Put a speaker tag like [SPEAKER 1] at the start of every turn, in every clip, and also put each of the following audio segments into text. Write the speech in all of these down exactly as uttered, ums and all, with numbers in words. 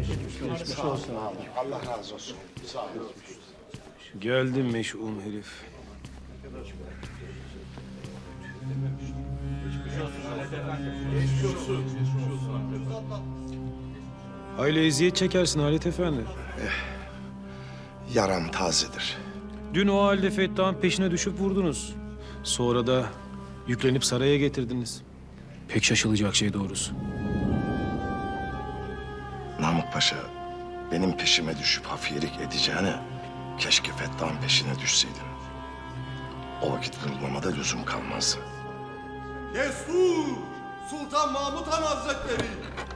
[SPEAKER 1] Geçmiş olsun abi. Allah razı olsun. Sağ olun.
[SPEAKER 2] Geldim meş'um herif. Aile eziyet çekersin Halit Efendi.
[SPEAKER 1] Yaram tazedir.
[SPEAKER 2] Dün o halde Fettah'ın peşine düşüp vurdunuz. Sonra da yüklenip saraya getirdiniz. Pek şaşılacak şey doğrusu.
[SPEAKER 1] Namık Paşa benim peşime düşüp hafiyelik edeceğine keşke Fettah'ın peşine düşseydin. O vakit vurulmama da lüzum kalmazdı.
[SPEAKER 3] Destur! Sultan Mahmut Han Hazretleri!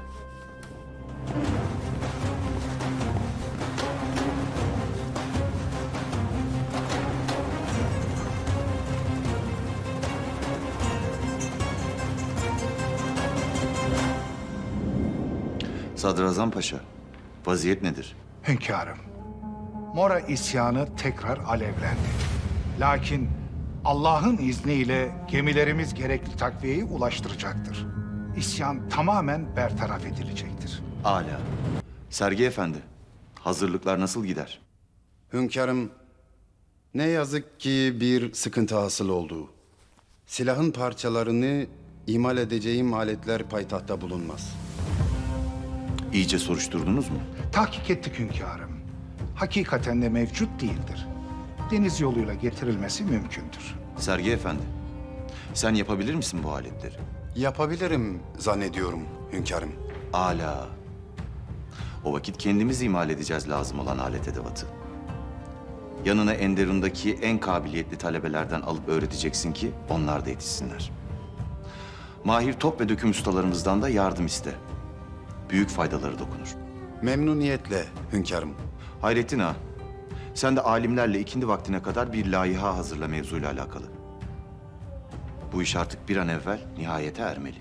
[SPEAKER 4] Sadrazam Paşa, vaziyet nedir?
[SPEAKER 5] Hünkârım, Mora isyanı tekrar alevlendi. Lakin Allah'ın izniyle gemilerimiz gerekli takviyeyi ulaştıracaktır. İsyan tamamen bertaraf edilecektir.
[SPEAKER 4] Âlâ. Sergi Efendi, hazırlıklar nasıl gider?
[SPEAKER 6] Hünkârım, ne yazık ki bir sıkıntı hasıl oldu. Silahın parçalarını imal edeceğim aletler payitahtta bulunmaz.
[SPEAKER 4] İyice soruşturdunuz mu?
[SPEAKER 5] Tahkik ettik hünkârım. Hakikaten de mevcut değildir. Deniz yoluyla getirilmesi mümkündür.
[SPEAKER 4] Sergi Efendi, sen yapabilir misin bu aletleri?
[SPEAKER 6] Yapabilirim zannediyorum hünkârım.
[SPEAKER 4] Âlâ. O vakit kendimiz imal edeceğiz lazım olan alet edevatı. Yanına Enderun'daki en kabiliyetli talebelerden alıp öğreteceksin ki onlar da yetişsinler. Mahir top ve döküm ustalarımızdan da yardım iste. Büyük faydaları dokunur.
[SPEAKER 6] Memnuniyetle hünkârım.
[SPEAKER 4] Hayrettin Ağa, sen de alimlerle ikindi vaktine kadar bir laiha hazırla mevzuyla alakalı. Bu iş artık bir an evvel nihayete ermeli.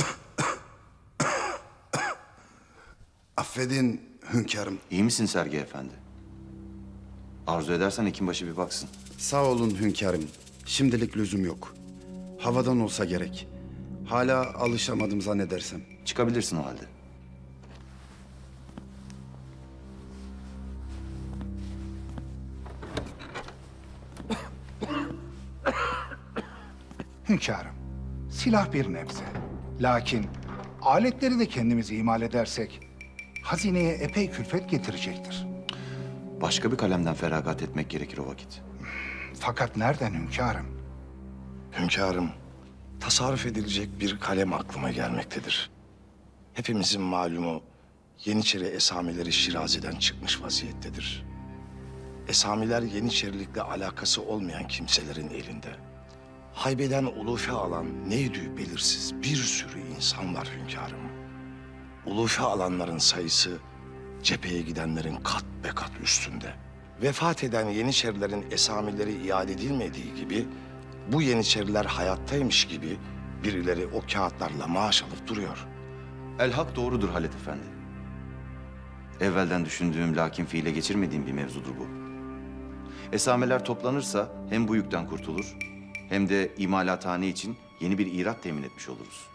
[SPEAKER 6] Affedin hünkârım.
[SPEAKER 4] İyi misin Sergi Efendi? Arzu edersen Hekimbaşı bir baksın.
[SPEAKER 6] Sağ olun hünkârım. Şimdilik lüzum yok. Havadan olsa gerek. Hala alışamadım zannedersem.
[SPEAKER 4] Çıkabilirsin o halde.
[SPEAKER 5] Hünkârım, silah bir nebze. Lakin aletleri de kendimiz imal edersek hazineye epey külfet getirecektir.
[SPEAKER 4] Başka bir kalemden feragat etmek gerekir o vakit.
[SPEAKER 5] Fakat nereden hünkârım?
[SPEAKER 1] Hünkârım, tasarruf edilecek bir kalem aklıma gelmektedir. Hepimizin malumu Yeniçeri esamileri Şirazi'den çıkmış vaziyettedir. Esamiler Yeniçerilikle alakası olmayan kimselerin elinde. Haybeden ulufe alan neydi belirsiz bir sürü insan var hünkârım. Ulufe alanların sayısı cepheye gidenlerin kat be kat üstünde. Vefat eden Yeniçerilerin esamileri iade edilmediği gibi bu Yeniçeriler hayattaymış gibi birileri o kağıtlarla maaş alıp duruyor.
[SPEAKER 4] El hak doğrudur Halit Efendi. Evvelden düşündüğüm lakin fiile geçirmediğim bir mevzudur bu. Esameler toplanırsa hem bu yükten kurtulur hem de imalathane için yeni bir irat temin etmiş oluruz.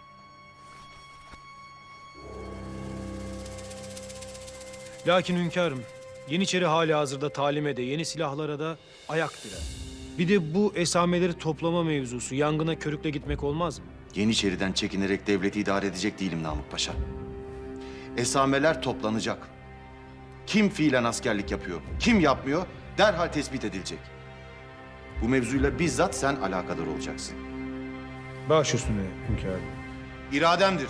[SPEAKER 2] Lakin hünkârım, Yeniçeri hali hazırda talime de yeni silahlara da ayak direr. Bir de bu esameleri toplama mevzusu yangına körükle gitmek olmaz mı?
[SPEAKER 4] Yeniçeriden çekinerek devleti idare edecek değilim Namık Paşa. Esameler toplanacak. Kim fiilen askerlik yapıyor, kim yapmıyor derhal tespit edilecek. Bu mevzuyla bizzat sen alakadar olacaksın.
[SPEAKER 2] Baş üstüne hünkârım.
[SPEAKER 4] İrademdir.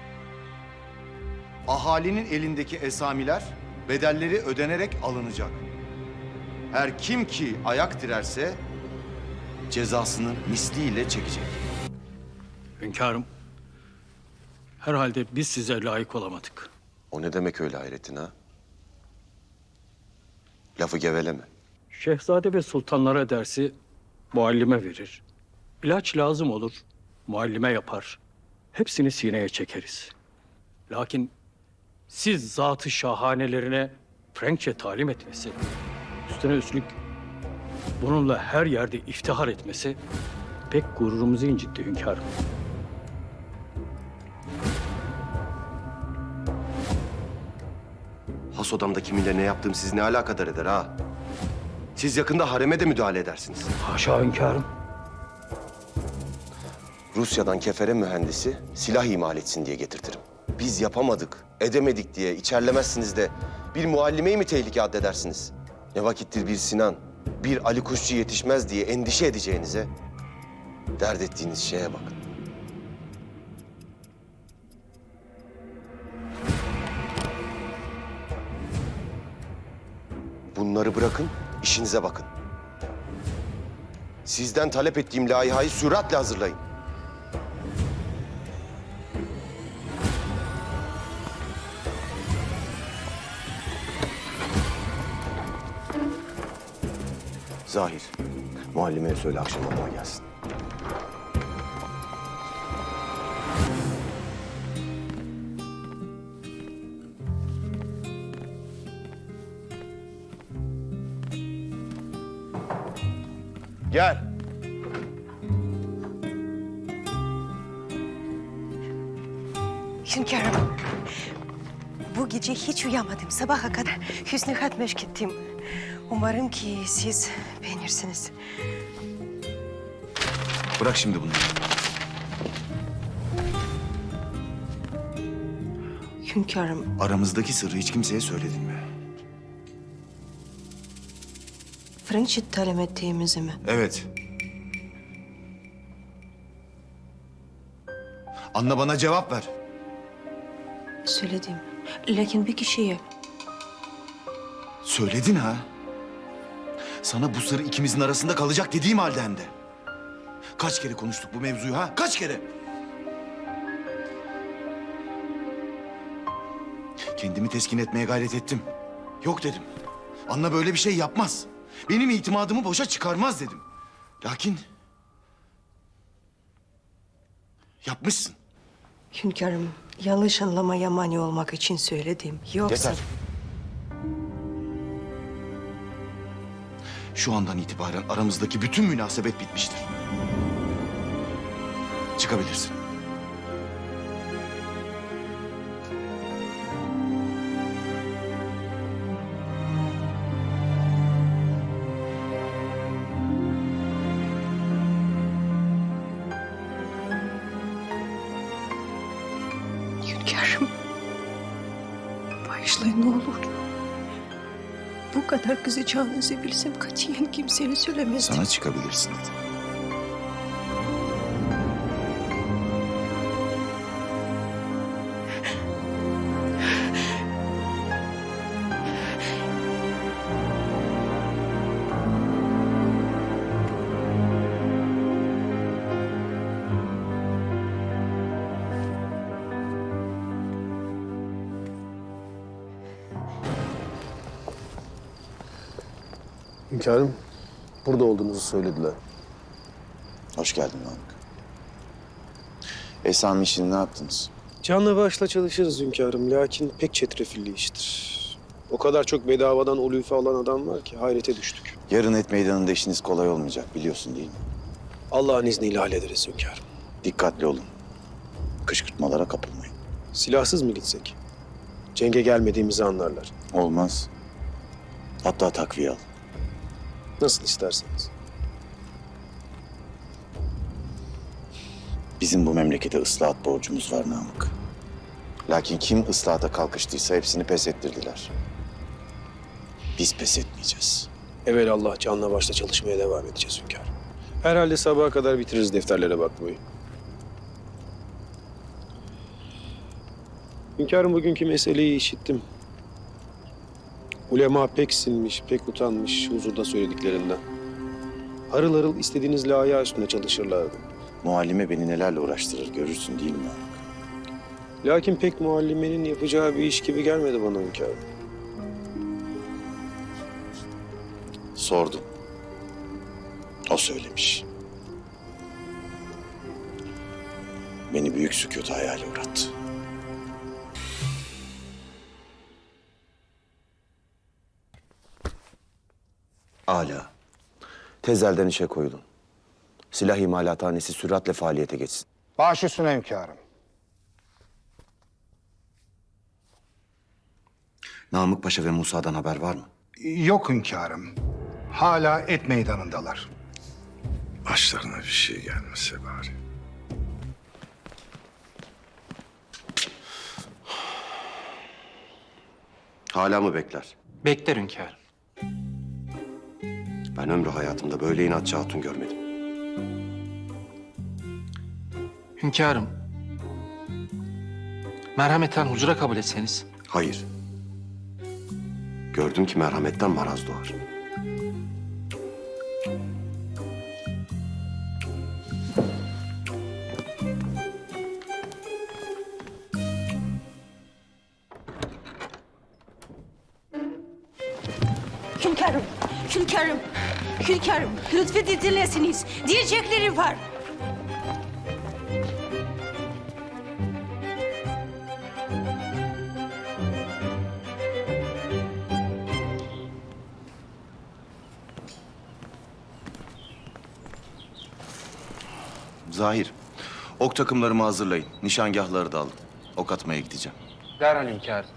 [SPEAKER 4] Ahalinin elindeki esamiler bedelleri ödenerek alınacak. Her kim ki ayak direrse cezasını misliyle çekecek.
[SPEAKER 7] Hünkârım, herhalde biz size layık olamadık.
[SPEAKER 8] O ne demek öyle Hayrettin ha? Lafı geveleme.
[SPEAKER 7] Şehzade ve sultanlara dersi muallime verir. İlaç lazım olur, muallime yapar. Hepsini sineye çekeriz. Lakin siz zatı şahanelerine Frenkçe talim etmesi, üstüne üstlük bununla her yerde iftihar etmesi pek gururumuzu incitti hünkârım.
[SPEAKER 8] Has odamda kiminle ne yaptığım sizi ne alakadar eder ha? Siz yakında hareme de müdahale edersiniz.
[SPEAKER 7] Haşa hünkârım.
[SPEAKER 8] Rusya'dan kefere mühendisi silah imal etsin diye getirtirim. Biz yapamadık, edemedik diye içerlemezsiniz de bir muallimeyi mi tehlike addedersiniz? Ne vakittir bir Sinan, bir Ali Kuşçu yetişmez diye endişe edeceğinize dert ettiğiniz şeye bakın. Bunları bırakın, işinize bakın. Sizden talep ettiğim layihayı süratle hazırlayın. Zahir, muallimeye söyle akşam odama gelsin. Gel.
[SPEAKER 9] Hünkârım, bu gece hiç uyuyamadım. Sabaha kadar hüsnü hat meşk ettim. Umarım ki siz beğenirsiniz.
[SPEAKER 4] Bırak şimdi bunları.
[SPEAKER 9] Hünkârım,
[SPEAKER 4] Aramızdaki sırrı hiç kimseye söyledin mi?
[SPEAKER 9] Frenç'i talep ettiğimizi mi?
[SPEAKER 4] Evet. Anla, bana cevap ver.
[SPEAKER 9] Söyledim. Lakin bir kişiye.
[SPEAKER 4] Söyledin ha? Sana bu sır ikimizin arasında kalacak dediğim halde hem de. Kaç kere konuştuk bu mevzuyu ha? Kaç kere? Kendimi teskin etmeye gayret ettim. Yok dedim. Anna böyle bir şey yapmaz. Benim itimadımı boşa çıkarmaz dedim. Lakin... yapmışsın.
[SPEAKER 9] Hünkârım, yanlış anlamaya mani olmak için söyledim. Yoksa...
[SPEAKER 8] Yeter.
[SPEAKER 4] Şu andan itibaren aramızdaki bütün münasebet bitmiştir. Çıkabilirsin.
[SPEAKER 9] Hünkârım, bağışlayın ne olur. Bu kadar kızacağınızı bilsem katiyen kimseye söylemezdim.
[SPEAKER 4] Sana çıkabilirsin dedim.
[SPEAKER 10] Hünkârım, burada olduğunuzu söylediler.
[SPEAKER 4] Hoş geldin Namık. Esam işini ne yaptınız?
[SPEAKER 11] Canla başla çalışırız hünkârım. Lakin pek çetrefilli iştir. O kadar çok bedavadan ulufe alan adam var ki hayrete düştük.
[SPEAKER 4] Yarın et meydanında işiniz kolay olmayacak, biliyorsun değil mi?
[SPEAKER 11] Allah'ın izniyle hallederiz hünkârım.
[SPEAKER 4] Dikkatli olun. Kışkırtmalara kapılmayın.
[SPEAKER 11] Silahsız mı gitsek? Cenge gelmediğimizi anlarlar.
[SPEAKER 4] Olmaz. Hatta takviye al.
[SPEAKER 11] Nasıl isterseniz.
[SPEAKER 4] Bizim bu memlekete ıslahat borcumuz var Namık. Lakin kim ıslahata kalkıştıysa hepsini pes ettirdiler. Biz pes etmeyeceğiz.
[SPEAKER 11] Evelallah canla başla çalışmaya devam edeceğiz hünkârım. Herhalde sabaha kadar bitiririz defterlere bakmayı. Hünkârım, bugünkü meseleyi işittim. Ulema pek sinmiş, pek utanmış huzurda söylediklerinden. Harıl harıl istediğiniz layığa üstünde çalışırlardı.
[SPEAKER 4] Muallime beni nelerle uğraştırır görürsün değil mi Namık?
[SPEAKER 11] Lakin pek muallimenin yapacağı bir iş gibi gelmedi bana hünkârım.
[SPEAKER 4] Sordum. O söylemiş. Beni büyük sükût hayale uğrattı.
[SPEAKER 8] Âlâ. Tezelden işe koyulun. Silah imalathanesi süratle faaliyete geçsin.
[SPEAKER 5] Baş üstüne hünkârım.
[SPEAKER 4] Namık Paşa ve Musa'dan haber var mı?
[SPEAKER 5] Yok hünkârım. Hala et meydanındalar.
[SPEAKER 1] Başlarına bir şey gelmese bari.
[SPEAKER 8] Hala mı bekler?
[SPEAKER 12] Bekler hünkârım.
[SPEAKER 8] Ben ömrü hayatımda böyle inatçı hatun görmedim.
[SPEAKER 12] Hünkârım. Merhameten hucura kabul etseniz.
[SPEAKER 8] Hayır. Gördüm ki merhametten maraz doğar.
[SPEAKER 9] Hünkârım, hünkârım, hünkârım. Lütfen dinlesiniz. Diyecekleri var.
[SPEAKER 4] Zahir, ok takımlarımı hazırlayın. Nişangahları da alın. Ok atmaya gideceğim.
[SPEAKER 12] Derhal hünkârım.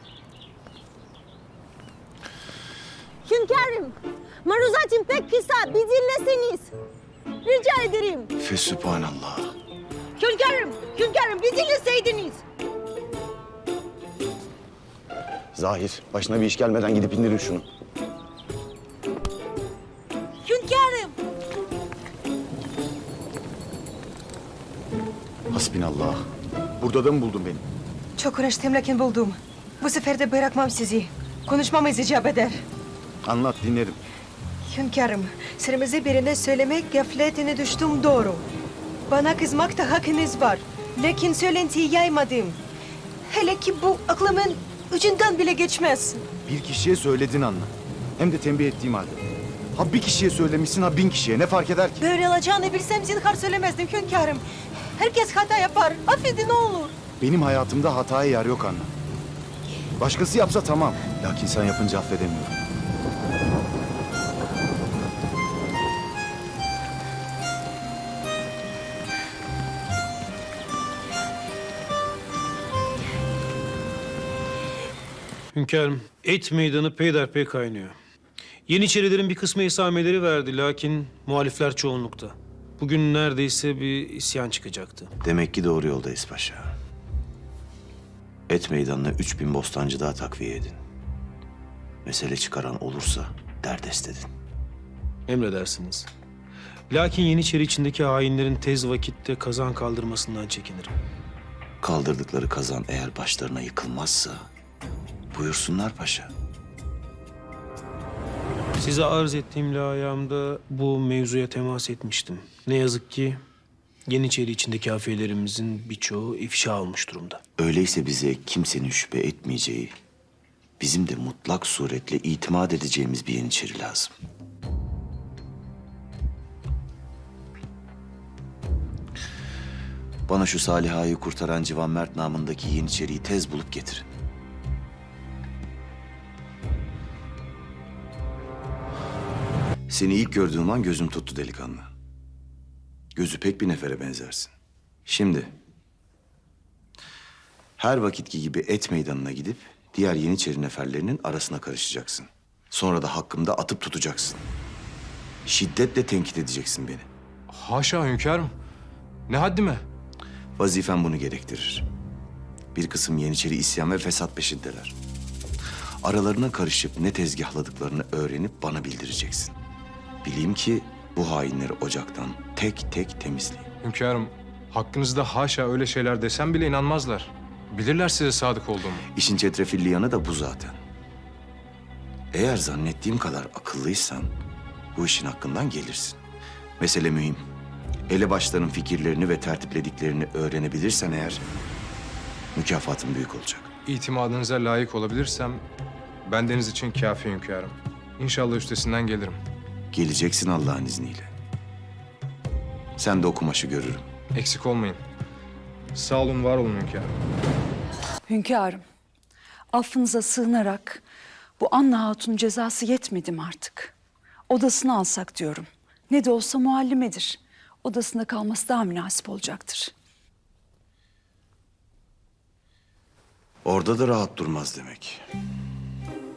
[SPEAKER 9] Hünkârım, maruzatim pek kısa. Bir dinleseniz. Rica ederim.
[SPEAKER 4] Fesübhanallah.
[SPEAKER 9] Hünkârım, hünkârım bir dinleseydiniz.
[SPEAKER 8] Zahir, başına bir iş gelmeden gidip indirin şunu.
[SPEAKER 9] Hünkârım.
[SPEAKER 4] Hasbinallah. Burada da mı buldun beni?
[SPEAKER 9] Çok uğraştım lakin buldum. Bu sefer de bırakmam sizi. Konuşmamız icap eder.
[SPEAKER 4] Anlat, dinlerim.
[SPEAKER 9] Hünkârım, sırrımızı birine söylemek gafletine düştüm doğru. Bana kızmakta hakkınız var. Lakin söylentiyi yaymadım. Hele ki bu aklımın ucundan bile geçmez.
[SPEAKER 4] Bir kişiye söyledin anla. Hem de tembih ettiğim halde. Ha bir kişiye söylemişsin, ha bin kişiye. Ne fark eder ki?
[SPEAKER 9] Böyle olacağını bilsem zinhar söylemezdim hünkârım. Herkes hata yapar. Affedin ne olur.
[SPEAKER 4] Benim hayatımda hataya yer yok anla. Başkası yapsa tamam. Lakin sen yapınca affedemiyorum.
[SPEAKER 2] Hünkârım, et meydanı peyderpey kaynıyor. Yeniçerilerin bir kısmı esameleri verdi lakin muhalifler çoğunlukta. Bugün neredeyse bir isyan çıkacaktı.
[SPEAKER 4] Demek ki doğru yoldayız paşa. Et meydanına üç bin bostancı daha takviye edin. Mesele çıkaran olursa derdest edin.
[SPEAKER 2] Emredersiniz. Lakin Yeniçeri içindeki hainlerin tez vakitte kazan kaldırmasından çekinirim.
[SPEAKER 4] Kaldırdıkları kazan eğer başlarına yıkılmazsa buyursunlar paşa.
[SPEAKER 2] Size arz ettiğim layığımda bu mevzuya temas etmiştim. Ne yazık ki Yeniçeri içindeki afiyelerimizin birçoğu ifşa olmuş durumda.
[SPEAKER 4] Öyleyse bize kimsenin şüphe etmeyeceği, bizim de mutlak suretle itimat edeceğimiz bir Yeniçeri lazım. Bana şu Saliha'yı kurtaran Civan Mert namındaki Yeniçeri'yi tez bulup getirin. Seni ilk gördüğüm an gözüm tuttu delikanlı. Gözü pek bir nefere benzersin. Şimdi her vakitki gibi et meydanına gidip diğer Yeniçeri neferlerinin arasına karışacaksın. Sonra da hakkımda atıp tutacaksın. Şiddetle tenkit edeceksin beni.
[SPEAKER 12] Haşa hünkârım. Ne haddime?
[SPEAKER 4] Vazifen bunu gerektirir. Bir kısım Yeniçeri isyan ve fesat peşindeler. Aralarına karışıp ne tezgahladıklarını öğrenip bana bildireceksin. Bileyim ki bu hainleri ocaktan tek tek temizleyin.
[SPEAKER 12] Hünkârım, hakkınızda haşa öyle şeyler desem bile inanmazlar. Bilirler size sadık olduğumu.
[SPEAKER 4] İşin çetrefilli yanı da bu zaten. Eğer zannettiğim kadar akıllıysan bu işin hakkından gelirsin. Mesele mühim. Elebaşların fikirlerini ve tertiplediklerini öğrenebilirsen eğer mükafatın büyük olacak.
[SPEAKER 12] İtimadınıza layık olabilirsem bendeniz için kafi hünkârım. İnşallah üstesinden gelirim.
[SPEAKER 4] Geleceksin Allah'ın izniyle. Sen de o kumaşı görürüm.
[SPEAKER 12] Eksik olmayın. Sağ olun, var olun hünkârım.
[SPEAKER 13] Hünkârım, affınıza sığınarak bu Anna Hatun cezası yetmedi mi artık? Odasını alsak diyorum. Ne de olsa muallimedir. Odasında kalması daha münasip olacaktır.
[SPEAKER 4] Orada da rahat durmaz demek.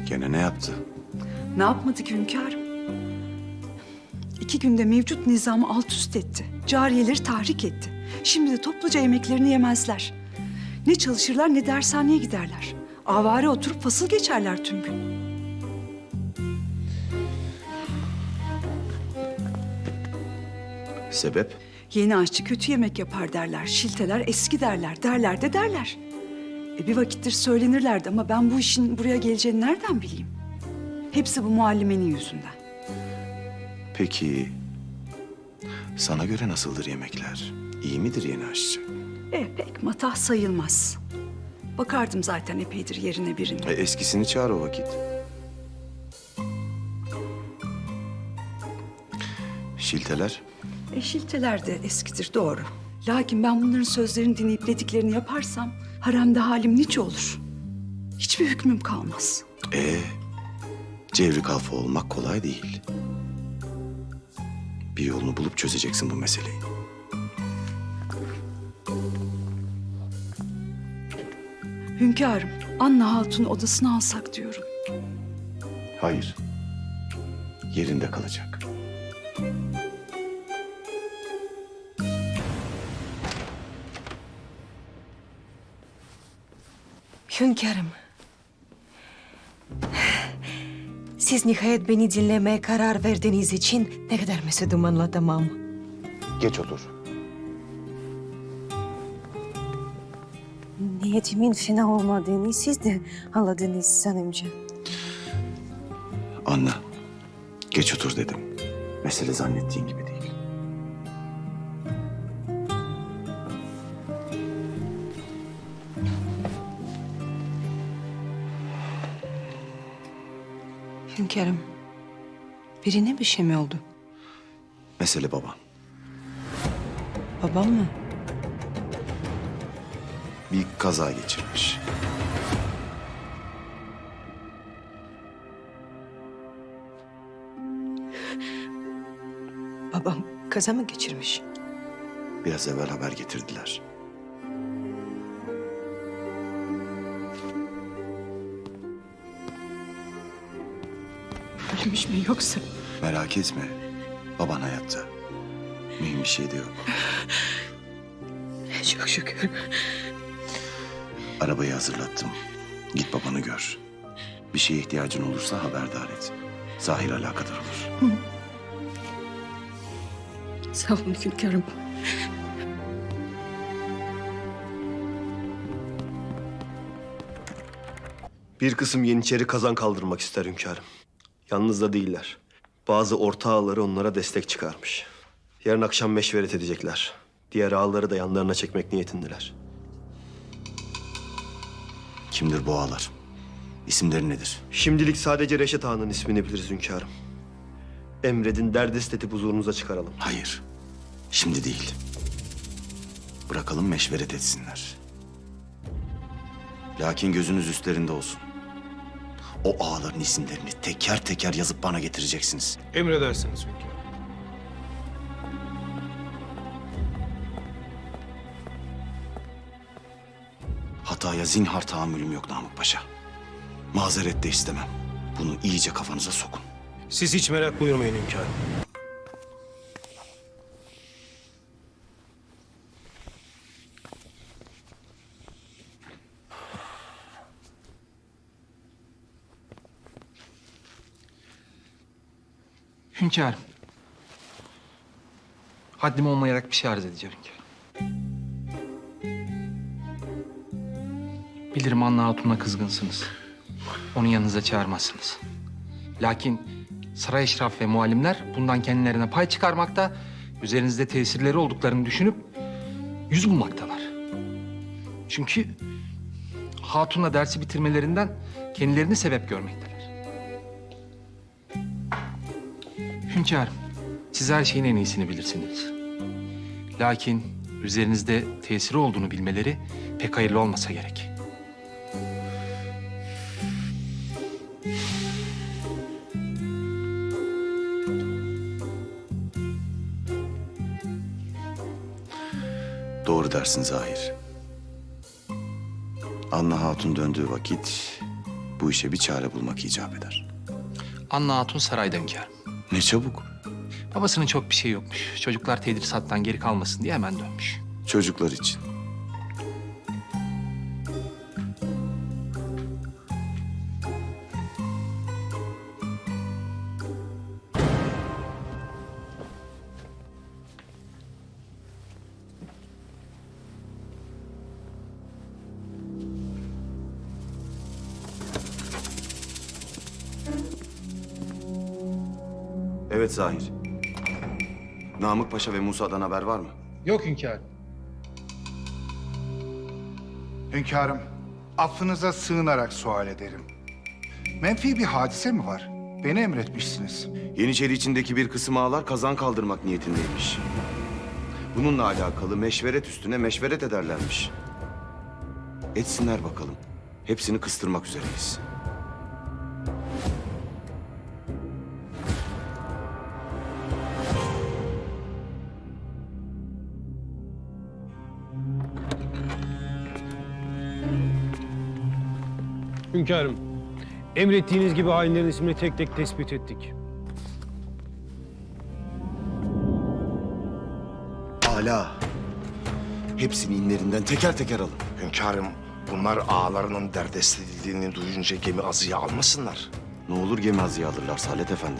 [SPEAKER 4] Gene ne yaptı?
[SPEAKER 13] Ne yapmadı ki hünkârım? İki günde mevcut nizamı alt üst etti. Cariyeleri tahrik etti. Şimdi de topluca yemeklerini yemezler. Ne çalışırlar ne dershaneye giderler. Avare oturup fasıl geçerler tüm gün.
[SPEAKER 4] Sebep?
[SPEAKER 13] Yeni aşçı kötü yemek yapar derler. Şilteler eski derler. Derler de derler. E bir vakittir söylenirlerdi ama ben bu işin buraya geleceğini nereden bileyim? Hepsi bu muallimenin yüzünden.
[SPEAKER 4] Peki sana göre nasıldır yemekler? İyi midir yeni aşçı?
[SPEAKER 13] E pek matah sayılmaz. Bakardım zaten epeydir yerine birine.
[SPEAKER 4] E, eskisini çağır o vakit. Şilteler?
[SPEAKER 13] E şilteler de eskidir doğru. Lakin ben bunların sözlerini dinleyip dediklerini yaparsam haremde halim nice olur. Hiçbir hükmüm kalmaz.
[SPEAKER 4] Ee, cevri kalfa olmak kolay değil. Bir yolunu bulup çözeceksin bu meseleyi.
[SPEAKER 13] Hünkârım, Anna Hatun'u odasına alsak diyorum.
[SPEAKER 4] Hayır. Yerinde kalacak.
[SPEAKER 9] Hünkârım. Siz nihayet beni dinlemeye karar verdiğiniz için ne kadar mesudum anlatamam.
[SPEAKER 8] Geç otur.
[SPEAKER 9] Niyetimin fena olmadığını siz de anladınız sanımca.
[SPEAKER 4] Anla. Geç otur dedim. Mesele zannettiğin gibi değil.
[SPEAKER 9] Hünkârım, birine bir şey mi oldu?
[SPEAKER 4] Mesele baban.
[SPEAKER 9] Babam mı?
[SPEAKER 4] Bir kaza geçirmiş.
[SPEAKER 9] Babam kaza mı geçirmiş?
[SPEAKER 4] Biraz evvel haber getirdiler.
[SPEAKER 9] Ölmüş mü yoksa?
[SPEAKER 4] Merak etme. Baban hayatta. Mühim bir şey de yok.
[SPEAKER 9] Çok şükür.
[SPEAKER 4] Arabayı hazırlattım. Git babanı gör. Bir şeye ihtiyacın olursa haberdar et. Zahir alakadar olur.
[SPEAKER 9] Sağ olun hünkârım.
[SPEAKER 3] Bir kısım Yeniçeri kazan kaldırmak ister hünkârım. Yalnız da değiller. Bazı orta ağaları onlara destek çıkarmış. Yarın akşam meşveret edecekler. Diğer ağaları da yanlarına çekmek niyetindeler.
[SPEAKER 4] Kimdir bu ağalar? İsimleri nedir?
[SPEAKER 3] Şimdilik sadece Reşat Ağa'nın ismini biliriz hünkârım. Emredin derdest edip huzurunuza çıkaralım.
[SPEAKER 4] Hayır. Şimdi değil. Bırakalım meşveret etsinler. Lakin gözünüz üstlerinde olsun. O ağaların isimlerini teker teker yazıp bana getireceksiniz.
[SPEAKER 2] Emredersiniz hünkârım.
[SPEAKER 4] Hataya zinhar tahammülüm yok Namık Paşa. Mazeret de istemem. Bunu iyice kafanıza sokun.
[SPEAKER 2] Siz hiç merak buyurmayın hünkârım.
[SPEAKER 14] Hünkârım. Haddim olmayarak bir şey arz edeceğim hünkârım. Bilirim Anna Hatun'a kızgınsınız. Onu yanınıza çağırmazsınız. Lakin saray eşraf ve muallimler bundan kendilerine pay çıkarmakta, üzerinizde tesirleri olduklarını düşünüp yüz bulmaktalar. Çünkü Hatun'la dersi bitirmelerinden kendilerini sebep görmekteler. Hünkârım, siz her şeyin en iyisini bilirsiniz. Lakin üzerinizde tesiri olduğunu bilmeleri pek hayırlı olmasa gerek.
[SPEAKER 4] Doğru dersin Zahir. Anna Hatun döndüğü vakit Bu işe bir çare bulmak icap eder.
[SPEAKER 14] Anna Hatun sarayda hünkârım.
[SPEAKER 4] Ne çabuk.
[SPEAKER 14] Babasının çok bir şey yokmuş. Çocuklar tedrisattan geri kalmasın diye hemen dönmüş.
[SPEAKER 4] Çocuklar için. Evet Zahir. Namık Paşa ve Musa'dan haber var mı?
[SPEAKER 14] Yok hünkârım.
[SPEAKER 5] Hünkârım, affınıza sığınarak sual ederim. Menfi bir hadise mi var? Beni emretmişsiniz.
[SPEAKER 4] Yeniçeri içindeki bir kısım ağalar kazan kaldırmak niyetindeymiş. Bununla alakalı meşveret üstüne meşveret ederlermiş. Etsinler bakalım. Hepsini kıstırmak üzereyiz.
[SPEAKER 2] Hünkârım, emrettiğiniz gibi hainlerin ismini tek tek tespit ettik.
[SPEAKER 4] Âlâ. Hepsini inlerinden teker teker alın.
[SPEAKER 1] Hünkârım, bunlar ağalarının derdest edildiğini duyunca gemi azıya almasınlar.
[SPEAKER 4] Ne olur gemi azıya alırlar Salet Efendi.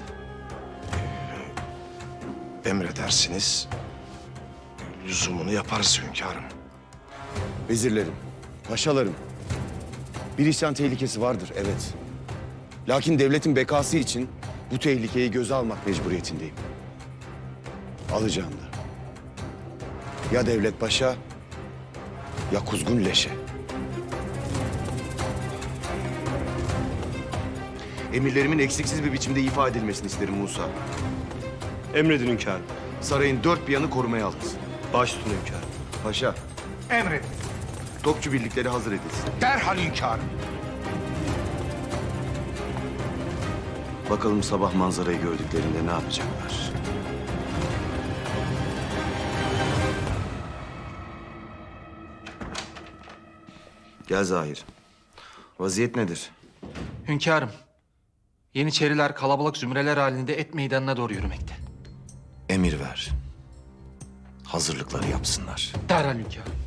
[SPEAKER 1] Emredersiniz, lüzumunu yaparız hünkârım.
[SPEAKER 4] Vezirlerim, paşalarım. Bir isyan tehlikesi vardır, evet. Lakin devletin bekası için bu tehlikeyi göze almak mecburiyetindeyim. Alacağım da. Ya devlet paşa, ya kuzgun leşe. Emirlerimin eksiksiz bir biçimde ifade edilmesini isterim Musa.
[SPEAKER 3] Emredin hünkârım.
[SPEAKER 4] Sarayın dört bir yanı korumaya alınsın.
[SPEAKER 3] Baş tutun hünkârım.
[SPEAKER 4] Paşa,
[SPEAKER 5] Emredin.
[SPEAKER 4] topçu birlikleri hazır edilsin.
[SPEAKER 5] Derhal hünkârım.
[SPEAKER 4] Bakalım sabah manzarayı gördüklerinde ne yapacaklar? Gel Zahir. Vaziyet nedir?
[SPEAKER 14] Hünkârım, Yeniçeriler kalabalık zümreler halinde et meydanına doğru yürümekte.
[SPEAKER 4] Emir ver. Hazırlıkları yapsınlar.
[SPEAKER 14] Derhal hünkârım.